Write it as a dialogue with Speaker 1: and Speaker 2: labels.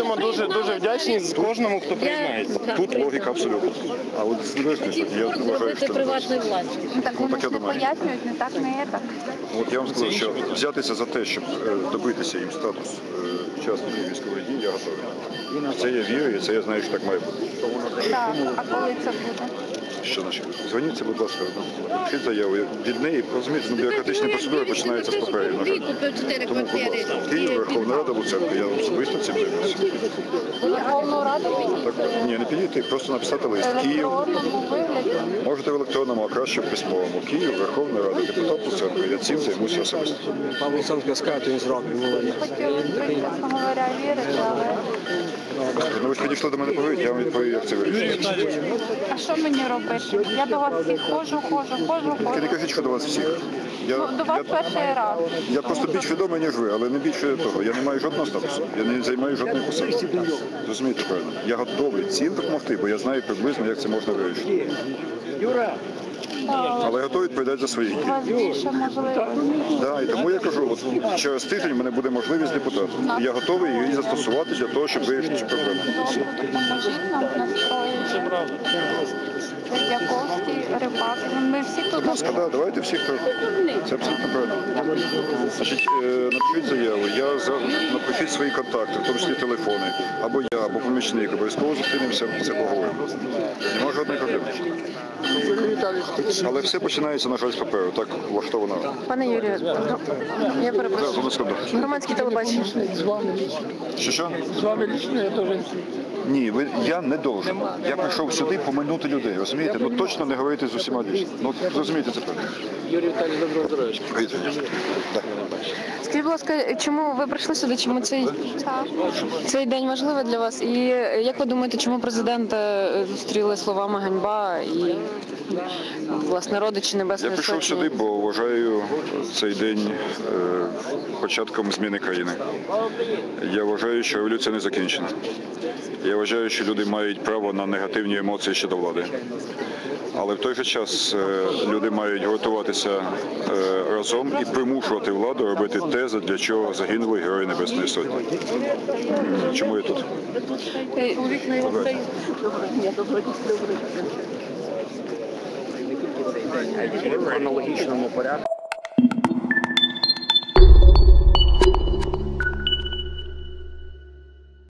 Speaker 1: будемо дуже вдячні кожному, хто приєднається.
Speaker 2: Тут логіка абсолютно. А от залежність, я вважаю, що
Speaker 3: приватної власності.
Speaker 4: Так вони ж не пояснюють, не так, не так.
Speaker 2: От я вам скажу, що взятися за те, щоб добитися їм статус учасників військових дій, я готовий. В це я вірю, і це я знаю, що так має бути.
Speaker 4: Так, а коли це буде?
Speaker 2: Що значить? Дзвоніться, будь ласка, напишіть заяву. Від неї, розумієте, бюрократичні процедури починаються з паперів. Тому, будь ласка, Київ, Верховна Рада, Луценко, я особисто цим займаюся.
Speaker 4: Верховну Раду підійти?
Speaker 2: Ні, не підійти, просто написати лист. Київ, можете в електронному, а краще в письмовому. Київ, Верховна Рада, депутат Луценко. Я цим займуся особисто.
Speaker 1: Пан Луценко скаже, то він зробить.
Speaker 4: Хотіли, чесно говоря, вірити, але...
Speaker 2: Ну ви ж підійшли до мене поговорити, я вам відповім, як це вирішується.
Speaker 4: А що мені робити? Я до вас всіх ходжу.
Speaker 2: Ти не кажіть, що до вас всіх.
Speaker 4: До вас перший раз.
Speaker 2: Я просто більш відомий, ніж ви, але не більше того. Я не маю жодного статусу, я не займаю жодної посади. Розумієте правильно? Я готовий цим допомогти, бо я знаю приблизно, як це можна вирішити. Але готовий відповідати за свої дії.
Speaker 4: У вас більше можливостей.
Speaker 2: Да, і тому я кажу, от через тиждень в мене буде можливість депутата. І я готовий її застосувати для того, щоб вирішити цю проблему.
Speaker 4: Допоможіть нам настроїти. Яковський, Рибак. Ми всі тут.
Speaker 2: Будь ласка, да, давайте всіх. Це абсолютно правильно. Значить, напишіть заяву, напишіть свої контакти, в тому числі телефони, або я, або помічник, обов'язково зустрінемося, це поговоримо. Нема жодної проблеми. Але все починається, на жаль, з паперу, так влаштовано.
Speaker 5: Пане Юрію, я перепрошую. Громадське телебачення.
Speaker 2: Що?
Speaker 1: З вами лично я теж...
Speaker 2: Ні, я не должен. Я прийшов сюди поминути людей, розумієте? Ну точно не говорити з усіма лично. Ну, розумієте це правильно.
Speaker 1: Юрій Віталійович, доброго здоров'я.
Speaker 5: Скажіть, будь ласка, чому ви прийшли сюди? Чому цей день важливий для вас? І як ви думаєте, чому президента зустріли словами ганьба і, власне, родичі Небесної Сотні?
Speaker 2: Я прийшов сюди, бо вважаю цей день початком зміни країни. Я вважаю, що революція не закінчена. Я вважаю, що люди мають право на негативні емоції щодо влади. Але в той же час люди мають гуртуватися разом і примушувати владу робити те, для чого загинули Герої Небесної Сотні. Чому я тут?
Speaker 1: В хронологічному порядку.